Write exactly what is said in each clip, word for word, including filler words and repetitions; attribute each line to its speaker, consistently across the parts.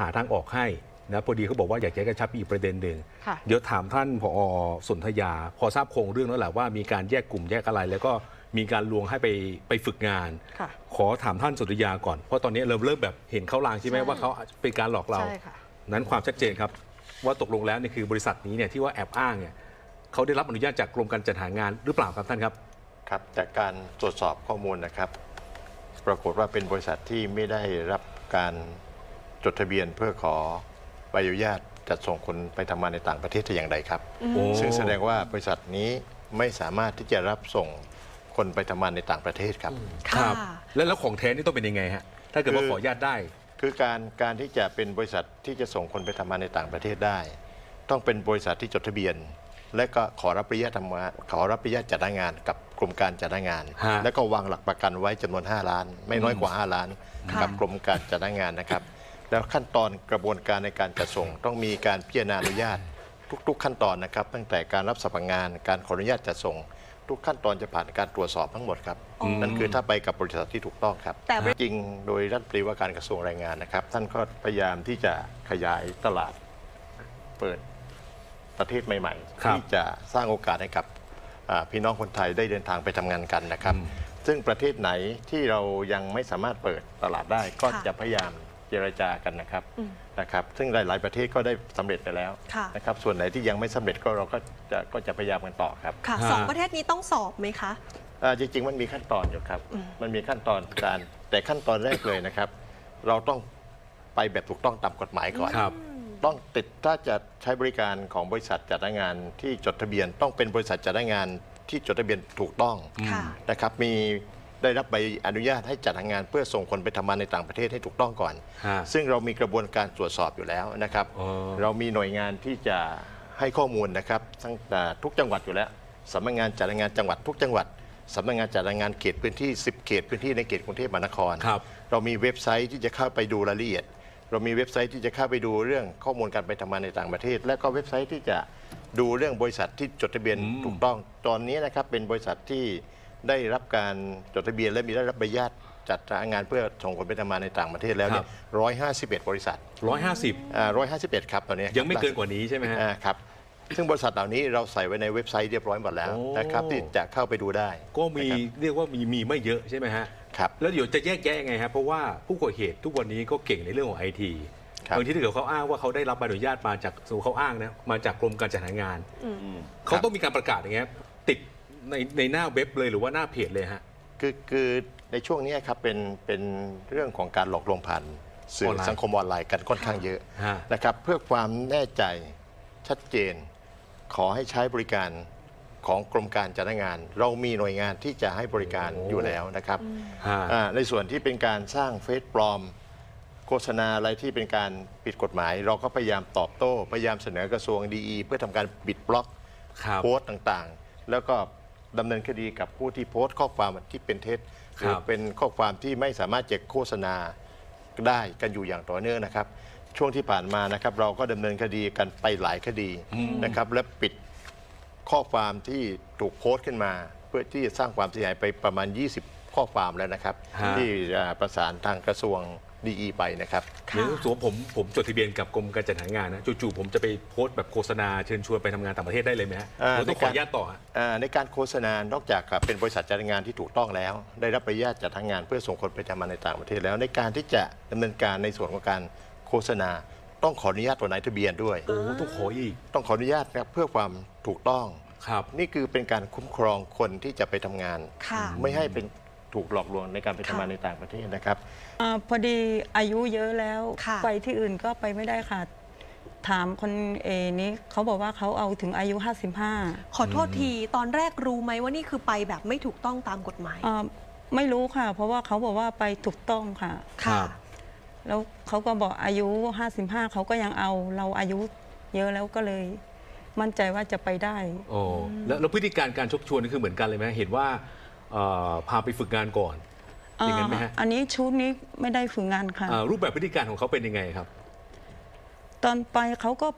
Speaker 1: หาทางออกให้นะพอดีเขาบอกว่าอยากจะกระชับอีกประเด็นหนึ่ง
Speaker 2: ค่ะ
Speaker 1: เดี๋ยวถามท่านผอ.สนธยาพอทราบโครงเรื่องแล้วแหละว่ามีการแยกกลุ่มแยกอะไร แล้วก็มีการลวงให้ไปไปฝึกงาน
Speaker 2: ค่ะ
Speaker 1: ขอถามท่านสนธยาก่อนเพราะตอนนี้เราเริ่มแบบเห็นเขาลางใช่ไหม
Speaker 2: ใช่
Speaker 1: ว่าเขาเป็นการหลอกเรา
Speaker 2: ใช่ค่ะ
Speaker 1: นั้นความชัดเจนครับว่าตกลงแล้วเนี่ยคือบริษัทนี้เนี่ยที่ว่าแอบอ้างเนี่ยเขาได้รับอนุญาตจากกรมการจัดหางานหรือเปล่าครับท่านครับ
Speaker 3: ครับจากการตรวจสอบข้อมูลนะครับ ปรากฏว่าเป็นบริษัทที่ไม่ได้รับการจดทะเบียนเพื่อขอใบอนุญาตจัดส่งคนไปทำงานในต่างประเทศแต่อย่างใดครับ
Speaker 1: โอ้
Speaker 3: ซึ่งแสดงว่าบริษัทนี้ไม่สามารถที่จะรับส่งคนไปทำงานในต่างประเทศครับ
Speaker 1: ครับ
Speaker 2: ค่ะ
Speaker 1: แล้วแล้วของแท้นี่ต้องเป็นยังไงฮะถ้าเกิดว่า
Speaker 3: คือ
Speaker 1: ขออนุญาตได้
Speaker 3: คือการการที่จะเป็นบริษัทที่จะส่งคนไปทำงานในต่างประเทศได้ ต้องเป็นบริษัทที่จดทะเบียน และก็ขอรับอนุญาตทำงานขอรับอนุญาตจัดหางานกับกรมการจัดหางาน
Speaker 1: ฮะ
Speaker 3: และก็วางหลักประกันไว้จำนวนห้าล้าน ไม่น้อยกว่าห้าล้าน
Speaker 2: ค่ะ
Speaker 3: กับกรมการจัดหางานนะครับ แล้วขั้นตอนกระบวนการในการจัดส่ง ต้องมีการพิจารณาอนุญาตทุก ๆ ขั้นตอนนะครับ ตั้งแต่การรับสมัครงานการขออนุญาตจัดส่ง ทุกขั้นตอนจะผ่านการตรวจสอบทั้งหมดครับ
Speaker 2: อ๋อ
Speaker 3: นั่นคือถ้าไปกับบริษัทที่ถูกต้องครับ
Speaker 2: แต่
Speaker 3: จริงโดยรัฐมนตรีว่าการกระทรวงแรงงานนะครับ ท่านก็พยายามที่จะขยายตลาดเปิดประเทศใหม่
Speaker 1: ครั
Speaker 3: ๆ
Speaker 1: บ
Speaker 3: ที่จะสร้างโอกาสให้กับอ่าพี่น้องคนไทยได้เดินทางไปทำงานกันนะครับ ซึ่งประเทศไหนที่เรายังไม่สามารถเปิดตลาดได้ ก็
Speaker 2: ค่ะ
Speaker 3: จะพยายามเจรจากันนะครับ
Speaker 2: อืม
Speaker 3: นะครับ ซึ่งหลาย ๆ ประเทศก็ได้สำเร็จไปแล้ว
Speaker 2: ค่ะ
Speaker 3: นะครับ ส่วนไหนที่ยังไม่สำเร็จก็เราก็จะก็จะพยายามกันต่อครับ
Speaker 2: ค่ะ
Speaker 1: ฮะ
Speaker 2: สองประเทศนี้ต้องสอบไหมคะ
Speaker 3: อ่าจริง ๆ มันมีขั้นตอนอยู่ครับ มันมีขั้นตอนการแต่ขั้นตอนแรกเลยนะครับ เราต้องไปแบบถูกต้องตามกฎหมายก่อน
Speaker 1: ครับ
Speaker 3: ต้องติดถ้าจะใช้บริการของบริษัทจัดหางานที่จดทะเบียน ต้องเป็นบริษัทจัดหางานที่จดทะเบียนถูกต้อง
Speaker 2: ค่ะ
Speaker 3: นะครับ มีได้รับใบอนุญาตให้จัดหางานเพื่อส่งคนไปทำงานในต่างประเทศให้ถูกต้องก่อน
Speaker 1: ฮะ
Speaker 3: ซึ่งเรามีกระบวนการตรวจสอบอยู่แล้วนะครับ
Speaker 1: อ๋อ
Speaker 3: เรามีหน่วยงานที่จะให้ข้อมูลนะครับทั้งแต่ทุกจังหวัดอยู่แล้วสำนักงานจัดหางานจังหวัดทุกจังหวัดสำนักงานจัดหางานเขตพื้นที่สิบเขตพื้นที่ในเขตกรุงเทพมหานคร
Speaker 1: ครับ
Speaker 3: เรามีเว็บไซต์ที่จะเข้าไปดูรายละเอียด เรามีเว็บไซต์ที่จะเข้าไปดูเรื่องข้อมูลการไปทำงานในต่างประเทศ และก็เว็บไซต์ที่จะดูเรื่องบริษัทที่จดทะเบียน
Speaker 1: อืม
Speaker 3: ถูกต้อง ตอนนี้นะครับเป็นบริษัทที่ได้รับการจดทะเบียนและมีได้รับใบอนุญาตจัดหางานเพื่อส่งคนไปทำงานในต่างประเทศแล้วเนี่ยร้อยห้าสิบเอ็ดบริษัท
Speaker 1: ร้อยห้าสิบ
Speaker 3: ร้อยห้าสิบเอ็ดครับตอนนี้
Speaker 1: ยังไม่เกินกว่านี้ใช่ไหมฮะ
Speaker 3: อ่าครับซึ่งบริษัทเหล่านี้เราใส่ไว้ในเว็บไซต์เรียบร้อยหมดแล้ว
Speaker 1: โอ้
Speaker 3: นะครับที่จะเข้าไปดูได้
Speaker 1: ก็มี
Speaker 3: นะครับ
Speaker 1: เรียกว่ามีมีไม่เยอะใช่ไหมฮะ
Speaker 3: ครับ
Speaker 1: แล้วเดี๋ยวจะแยกแยะยังไงครับเพราะว่าผู้ก่อเหตุทุกวันนี้ก็เก่งในเรื่องของไอที
Speaker 3: ครับ
Speaker 1: บางทีถ้าเกิดเขาอ้างว่าเขาได้รับใบอนุญาตมาจากสู่เขาอ้างนะมาจากกรมการจัดหางาน เขาต้องมีการประกาศอย่างเงี้ยติดในในหน้าเว็บเลยหรือว่าหน้าเพจเลยฮะ
Speaker 3: คือคือในช่วงนี้ครับเป็นเป็นเรื่องของการหลอกลวงผ่านสื่
Speaker 1: อ
Speaker 3: อ
Speaker 1: อนไลน์
Speaker 3: สังคมออนไลน์กันค่อนข้างเยอะ
Speaker 1: ฮะ
Speaker 3: นะครับเพื่อความแน่ใจชัดเจน ขอให้ใช้บริการของกรมการจัดหางาน เรามีหน่วยงานที่จะให้บริการ
Speaker 1: โอ้
Speaker 3: อยู่แล้วนะครับ
Speaker 1: ฮะ
Speaker 3: อ่าในส่วนที่เป็นการสร้างเฟซปลอม โฆษณาอะไรที่เป็นการผิดกฎหมาย เราก็พยายามตอบโต้ พยายามเสนอกระทรวงดีเพื่อทำการปิดบล็อก
Speaker 1: ครับ
Speaker 3: โพสต์ต่างๆ แล้วก็ดำเนินคดีกับผู้ที่โพสต์ข้อความที่เป็นเท็จหรือเป็นข้อความที่ไม่สามารถจะโฆษณาได้กันอยู่อย่างต่อเนื่องนะครับ ช่วงที่ผ่านมานะครับเราก็ดำเนินคดีกันไปหลายคดีนะครับและปิดข้อความที่ถูกโพสต์ขึ้นมา เพื่อที่จะสร้างความเสียหายไปประมาณ ยี่สิบ ข้อความแล้วนะครับ
Speaker 1: ฮะ
Speaker 3: ที่อ่าประสานทางกระทรวงดีไปนะครับ
Speaker 1: หรือสมมติผมผมจดทะเบียนกับกรมการจัดหางานนะจู่ๆผมจะไปโพสต์แบบโฆษณาเชิญชวนไปทำงานต่างประเทศได้เลยไหมฮะ
Speaker 3: อ่า
Speaker 1: หรือต้องขออนุญาตต่อฮะ
Speaker 3: อ่าในการโฆษณานอกจากเป็นบริษัทจัดหางานที่ถูกต้องแล้ว ได้รับใบอนุญาตจัดหางานเพื่อส่งคนไปทำงานในต่างประเทศแล้วในการที่จะดำเนินการในส่วนของการโฆษณา ต้องขออนุญาตตัวนายทะเบียนด้วย
Speaker 1: โอ้ต้องขออีก
Speaker 3: ต้องขออนุญาตนะครับเพื่อความถูกต้อง
Speaker 1: ครับ
Speaker 3: นี่คือเป็นการคุ้มครองคนที่จะไปทำงาน
Speaker 2: ค่ะ
Speaker 3: ไม่ให้เป็นถูกหลอกลวงในการไปทำงาน
Speaker 2: ค่ะ
Speaker 3: ในต่างประเทศนะครับ
Speaker 4: อาพอดีอายุเยอะแล้ว
Speaker 2: ค่ะ
Speaker 4: ไปที่อื่นก็ไปไม่ได้ค่ะ ถามคนเอนี้เขาบอกว่าเขาเอาถึงอายุ ห้าสิบห้า
Speaker 2: ขอโทษทีตอนแรกรู้ไหมว่านี่คือไปแบบไม่ถูกต้องตามกฎหมาย
Speaker 4: อ่าไม่รู้ค่ะ เพราะว่าเขาบอกว่าไปถูกต้องค่ะ
Speaker 1: ครั
Speaker 2: ค่ะ
Speaker 1: บ
Speaker 4: แล้วเขาก็บอกอายุ ห้าสิบห้าเขาก็ยังเอาเราอายุเยอะแล้วก็เลย มั่นใจว่าจะไปได้
Speaker 1: โอ้แล้วแล้วพฤติการการชกชวนนี่คือเหมือนกันเลยไหมเห็นว่าเอ่อพาไปฝึกงานก่อนอย่างนั้นไหมฮะ
Speaker 4: อ่าอันนี้ชุดนี้ไม่ได้ฝึกงานค่ะ
Speaker 1: อ่ารูปแบบพฤติการของเขาเป็นยังไงครับ
Speaker 4: ตอนไปเขาก็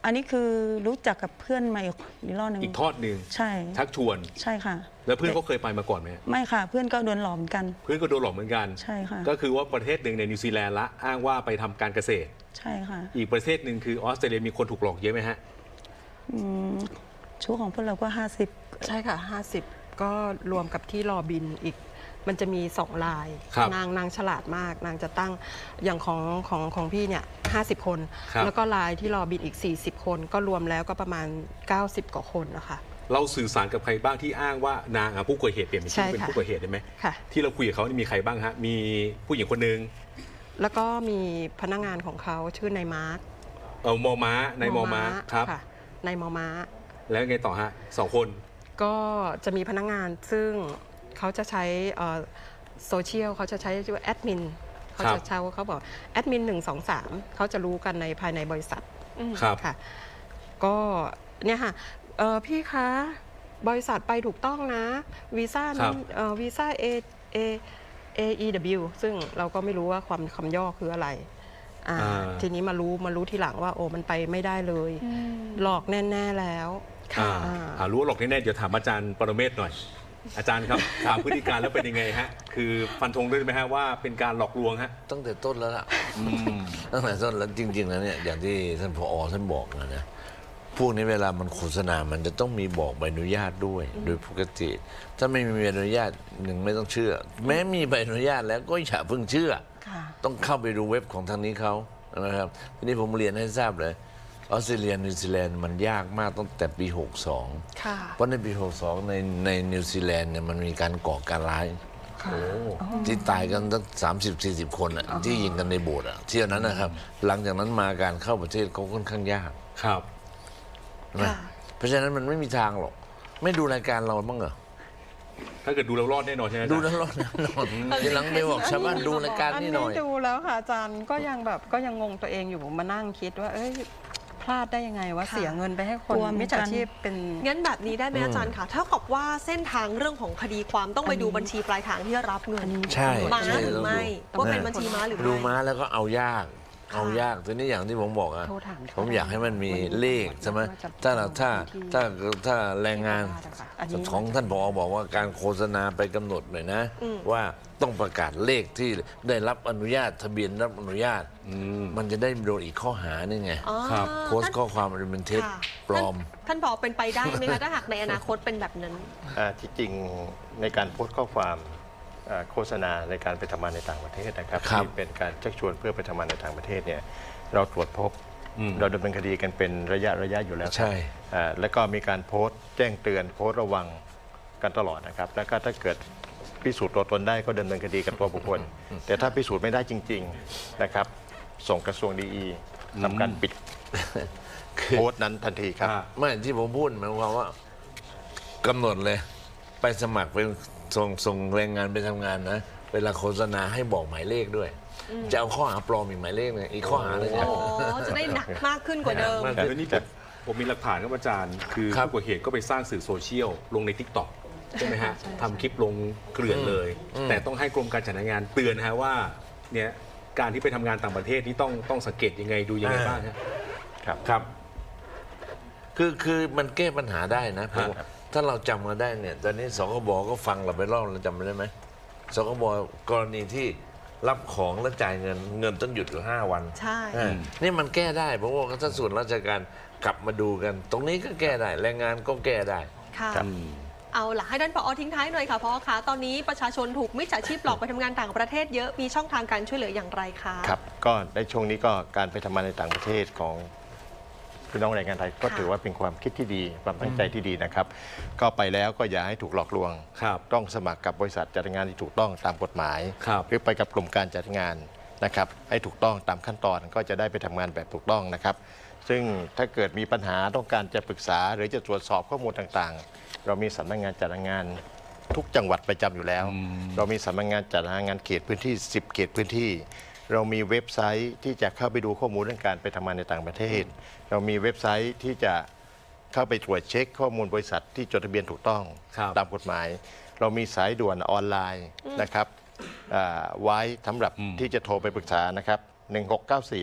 Speaker 4: อันนี้คือรู้จักกับเพื่อนมาอีกอีกรอบหนึ่ง
Speaker 1: อีกทอดหนึ่ง
Speaker 4: ใช่
Speaker 1: ชักชวน
Speaker 4: ใช่ค่ะ
Speaker 1: แล้วเพื่อนเขาเคยไปมาก่อนไหม
Speaker 4: ไม่ค่ะ เพื่อนก็โดนหลอกเหมือนกัน
Speaker 1: เพื่อนก็โดนหลอกเหมือนกัน
Speaker 4: ใช่ค่ะ
Speaker 1: ก็คือว่าประเทศหนึ่งในนิวซีแลนด์ละอ้างว่าไปทำการเกษตร
Speaker 4: ใช่ค่ะ
Speaker 1: อีกประเทศหนึ่งคือออสเตรเลียมีคนถูกหลอกเยอะไหมฮะ
Speaker 4: อืมชู้ของพวกเราก็ห้าสิบ
Speaker 5: ใช่ค่ะ ห้าสิบ ก็รวมกับที่รอบินอีก มันจะมีสองลาย
Speaker 1: ครับ
Speaker 5: นางนางฉลาดมาก นางจะตั้งอย่างของของของพี่เนี่ยห้าสิบคน
Speaker 1: ครับ
Speaker 5: แล้วก็ลายที่รอบินอีก สี่สิบ คน ก็รวมแล้วก็ประมาณ เก้าสิบ กว่าคนนะคะ
Speaker 1: เราสื่อสารกับใครบ้างที่อ้างว่านางอ่ะผู้ก่อเหตุเปลี่ยนเป็น
Speaker 5: ใช่
Speaker 1: ชื่อเป็น
Speaker 5: ค่ะ
Speaker 1: ผู้ก่อเหตุได้ไหม
Speaker 5: ค่ะ
Speaker 1: ที่เราคุยกับเขานี่มีใครบ้างฮะมีผู้หญิงคนหนึ่ง
Speaker 5: แล้วก็มีพนักงานของเขาชื่อนายมาร์ค
Speaker 1: เออมอม้าในมอม้าครับ
Speaker 5: ค่ะนายมอม้า
Speaker 1: แล้วไงต่อฮะสองคน
Speaker 5: ก็จะมีพนักงานซึ่งเขาจะใช้โซเชียลเขาจะใช้ชื่อว่าแอดมินเขาจะใช้เขาบอกแอดมินหนึ่งสองสามเขาจะรู้กันในภายในบริษัท
Speaker 1: ครับ
Speaker 5: ค่ะก็เนี่ยค่ะเอ่อพี่คะบริษัทไปถูกต้องนะวีซ่า
Speaker 1: ครั
Speaker 5: นั้
Speaker 1: บ
Speaker 5: นเอ่อวีซ่า A A A E W ซึ่งเราก็ไม่รู้ว่าความคำย่อคืออะไรอ่า
Speaker 1: อ่า
Speaker 5: ทีนี้มารู้มารู้ทีหลังว่าโอ้มันไปไม่ได้เลย หลอกแน่ ๆ แล้ว
Speaker 1: อ่า
Speaker 5: อ่า
Speaker 1: อ่ารู้ว่าหลอกแน่ๆเดี๋ยวถามอาจารย์ปรเมศหน่อย อาจารย์ครับ ถามพฤติการแล้วเป็นยังไงฮะคือฟันธงด้วยไหมฮะว่าเป็นการหลอกลวงฮะ
Speaker 6: ตั้งแต่ต้นแล้วล่ะตั้งแต่ต้นแล้วจริงๆแล้วเนี่ยอย่างที่ท่านผอท่านบอกนะนะพวกนี้เวลามันโฆษณา มันจะต้องมีบอกใบอนุญาตด้วย โดยปกติ ถ้าไม่มีใบอนุญาตหนึ่งไม่ต้องเชื่อ แม้มีใบอนุญาตแล้วก็อย่าเพิ่งเชื่อ
Speaker 5: ค่ะ
Speaker 6: ต้องเข้าไปดูเว็บของทางนี้เขานะครับทีนี้ผมเรียนให้ทราบเลยออสเตรเลียนิวซีแลนด์มันยากมากตั้งแต่ปี หกสอง
Speaker 5: ค่ะ
Speaker 6: เพราะในปี หกสอง ในในนิวซีแลนด์เนี่ยมันมีการก่อการร้าย ที่ตายกันตั้งสามสิบสี่สิบคนอ่ะที่ยิงกันในโบสถ์อ่ะเที่ยวนั้นนะครับ หลังจากนั้นมาการเข้าประเทศเขาค่อนข้างยาก
Speaker 1: ครับ
Speaker 6: นะ
Speaker 2: ค่ะ
Speaker 6: เพราะฉะนั้นมันไม่มีทางหรอก ไม่ดูรายการเราบ้างเหรอ
Speaker 1: ถ้าเกิดดูแล้วรอดแน่นอนใช่ไหมอาจารย์
Speaker 6: ดูแล้วรอดแน่นอนทีหลังไปบอกชาวบ้านดูรายการนี่หน่อย
Speaker 5: ดูแล้วค่ะอาจารย์ก็ยังแบบก็ยังงงตัวเองอยู่มานั่งคิดว่า เอ้ยพลาดได้ยังไงว่า
Speaker 2: ค่ะ
Speaker 5: เสียเงินไปให้คน
Speaker 4: กลัวเหมื
Speaker 5: มิ
Speaker 4: อ
Speaker 5: จ
Speaker 4: นกัน
Speaker 5: ฉาชีพเป็น
Speaker 2: งั้นแบบนี้ได้ไหมอาจารย์คะถ้ากับว่าเส้นทางเรื่องของคดีความต้องไปดูบัญชีปลายทางที่รับเงิน
Speaker 6: ใช่
Speaker 2: ม้า
Speaker 6: ใช่
Speaker 2: หรือ
Speaker 6: ต้องดู
Speaker 2: ไม่ว่าเป็นบัญชีม้าหรือ
Speaker 6: ดู
Speaker 2: ไม่
Speaker 6: ม้าแล้วก็เอายาก เอายากทีนี้อย่างที่ผมบอกอะ
Speaker 5: โทรถามเขา
Speaker 6: ผมอยากให้มันมี
Speaker 5: วันนี้
Speaker 6: เลขใช่ไหม
Speaker 5: ว่าจะ
Speaker 6: ถ้าเราถ้า
Speaker 5: ที่
Speaker 6: ถ้าถ้าแรงงาน
Speaker 5: อันนี้
Speaker 6: ของท่านผอบอกว่าการโฆษณาไปกำหนดหน่อยนะ ว่าต้องประกาศเลขที่ได้รับอนุญาตทะเบียนรับอนุญาต มันจะได้โดนอีกข้อหานี่ไง
Speaker 2: อ๋อ
Speaker 1: ครับ
Speaker 6: โพสต์ข้อความอันเป็นเท็จ
Speaker 2: ค่ะ
Speaker 6: ปลอม
Speaker 2: ท่านท่านบอกเป็นไปได้ไหมคะถ้าหากในอนาคตเป็นแบบนั้น
Speaker 3: อ่าที่จริงในการโพสต์ข้อความอ่าโฆษณาในการไปทำงานในต่างประเทศนะครับ
Speaker 6: ครับ
Speaker 3: ที่เป็นการชักชวนเพื่อไปทำงานในต่างประเทศเนี่ยเราตรวจพบ
Speaker 1: อืม
Speaker 3: เราดำเนินคดีกันเป็นระยะระยะอยู่แล้วครับ
Speaker 6: ใช่
Speaker 3: อ่าแล้วก็มีการโพสต์แจ้งเตือนโพสต์ระวังกันตลอดนะครับแล้วก็ถ้าเกิดพิสูจน์ตัวตนได้ก็ดำเนินคดีกับตัวบุคคล แต่ถ้าพิสูจน์ไม่ได้จริงๆนะครับส่งกระทรวงดีอีทำการปิดโพสต์นั้นทันทีครับ
Speaker 1: อ่า
Speaker 6: ไม่ที่ผมพูดหมายความว่ากำหนดเลย ไปสมัครเป็นส่งส่งแรงงานไปทำงานนะ เวลาโฆษณาให้บอกหมายเลขด้วย จะเอาข้อหาปลอมอีกหมายเลขเนี่ยอีกข้อหาหนึง
Speaker 2: อ๋
Speaker 6: อะ
Speaker 2: อ จะได้หนักมากขึ้นกว่าเดิม
Speaker 1: เดี๋ยวนี้ผมผมมีหลักฐานครับอาจารย์ คือ
Speaker 6: ครับ
Speaker 1: ผู้ก่อเหตุก็ไปสร้างสื่อโซเชียลลงใน ทิกตอก ใช่ไหมฮะทำคลิปลงเกลื่อนเลย แต่ต้องให้กรมการจัดหางานเตือนนะฮะว่าเนี่ยการที่ไปทำงานต่างประเทศนี่ต้องต้องสังเกตยังไงดูยังไงบ้างฮะ
Speaker 3: ครับ
Speaker 1: ครับ
Speaker 6: คือคือมันแก้ปัญหาได้นะผม
Speaker 1: ครับ
Speaker 6: ถ้าเราจำมาได้เนี่ย ตอนนี้สคบก็ฟังเราไปรอบเราจำได้ไหมสคบกรณีที่รับของแล้วจ่ายเงินเงินต้องหยุดอยู่ห้าวัน
Speaker 2: ใช่
Speaker 6: อ่านี่มันแก้ได้เพราะว่าถ้าส่วนราชการกลับมาดูกัน ตรงนี้ก็แก้ได้ แรงงานก็แก้ได้
Speaker 2: ค่ะ
Speaker 3: ครับ
Speaker 2: เอาล่ะให้ท่านผอทิ้งท้ายหน่อยค่ะผอคะตอนนี้ประชาชนถูกมิจฉาชีพหลอกไปทำงานต่างประเทศเยอะมีช่องทางการช่วยเหลืออย่างไรคะ
Speaker 3: ครับก็ในช่วงนี้ก็การไปทำงานในต่างประเทศของพี่น้องแรงงานไทยก็
Speaker 2: ค่ะ
Speaker 3: ถือว่าเป็นความคิดที่ดีความตั้งใจที่ดีนะครับ ก็ไปแล้วก็อย่าให้ถูกหลอกลวง
Speaker 1: ครับ
Speaker 3: ต้องสมัครกับบริษัทจัดงานที่ถูกต้องตามกฎหมาย
Speaker 1: ครับ
Speaker 3: หรือไปกับกลุ่มการจัดงานนะครับให้ถูกต้องตามขั้นตอนก็จะได้ไปทำงานแบบถูกต้องนะครับ ซึ่งถ้าเกิดมีปัญหาต้องการจะปรึกษา หรือจะตรวจสอบข้อมูลต่างๆ เรามีสำนักงานจัดงานทุกจังหวัดประจำอยู่แล้ว เรามีสำนักงานจัดงานเขตพื้นที่ สิบ เขตพื้นที่ เรามีเว็บไซต์ที่จะเข้าไปดูข้อมูลเรื่องการไปทำงานในต่างประเทศ เรามีเว็บไซต์ที่จะเข้าไปตรวจเช็คข้อมูลบริษัทที่จดทะเบียนถูกต้อง
Speaker 1: ครับ
Speaker 3: ตามกฎหมาย เรามีสายด่วนออนไลน์นะครับอ่าไว้สำหรับที่จะโทรไปปรึกษานะครับหนึ่งหกเก้าสี่ครับ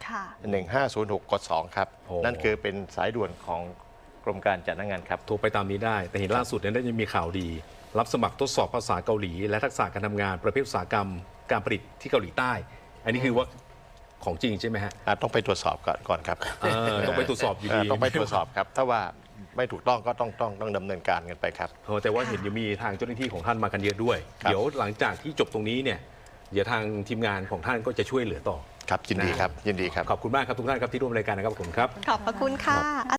Speaker 2: ค่ะ
Speaker 3: หนึ่งห้าศูนย์หก กด สอง ครับ
Speaker 1: โอ้
Speaker 3: นั่นคือเป็นสายด่วนของกรมการจัดหางานครับ
Speaker 1: โทรไปตามนี้ได้ แต่เห็นล่าสุดเนี่ยได้ยังมีข่าวดี รับสมัครทดสอบภาษาเกาหลี และทักษะการทำงานประเภทอุตสาหกรรมการผลิตที่เกาหลีใต้ อันนี้คือว่าของจริงใช่ไหมฮะ
Speaker 3: อ่ะต้องไปตรวจสอบก่อนก่อนครับ
Speaker 1: เออต้องไปตรวจสอบอยู่ดี
Speaker 3: เต้องไปตรวจสอบครับ ถ้าว่าไม่ถูกต้องก็ต้องต้องต้องดำเนินการกันไปครับ
Speaker 1: เออแต่ว่าเห็นยังมีทางเจ้าหน้าที่ของท่านมากันเยอะด้วย
Speaker 3: ครับ
Speaker 1: เดี๋ยวหลังจากที่จบตรงนี้เนี่ยเดี๋ยวทางทีมงานของท่านก็จะช่วยเหลือต่อ
Speaker 3: ครับยินดีครับยินดีครับ
Speaker 1: ขอบคุณมากครับทุกท่านครับที่ร่วมรายการนะครับขอบคุณครับ
Speaker 2: ขอบพระคุณค่ะ